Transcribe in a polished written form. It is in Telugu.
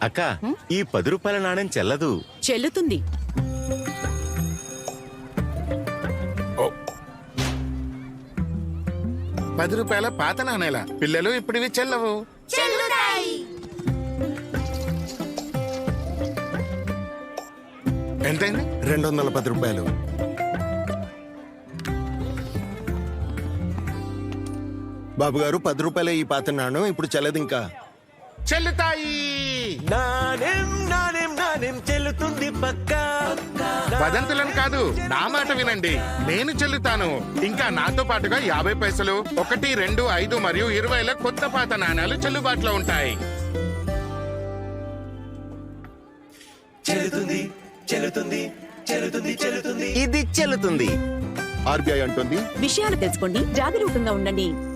అక్క ఈ 10 రూపాయల నాణ్యం చెల్లదు. చెల్లుతుంది. ఓ. 10 రూపాయల పాత నాణేల పిల్లలు ఇప్పుడు ఇవి చెల్లవు. ఎంతైంది? 210 రూపాయలు. బాబు గారు 10 రూపాయల ఈ పాత నాణ్యం ఇప్పుడు చెల్లదు ఇంకా. చెల్లుతాయి. నాణ్యం నాణ్యం నాణ్యం చెల్లుతుంది పక్కా. వదంతులను కాదు, నా మాట వినండి. నేను చెల్లుతాను. ఇంకా నాతో పాటుగా 50 పైసలు, 1, 2, 5 మరియు 20ల కొత్త పాత నాణాలు చెల్లుబాటులో ఉంటాయి. చెల్లుతుంది చెల్లుతుంది చెల్లుతుంది చెల్లుతుంది. ఇది చెల్లుతుంది. ఆర్బీఐ అంటుంది విషయాలు తెలుసుకోండి, జాగరూకంగా ఉండండి.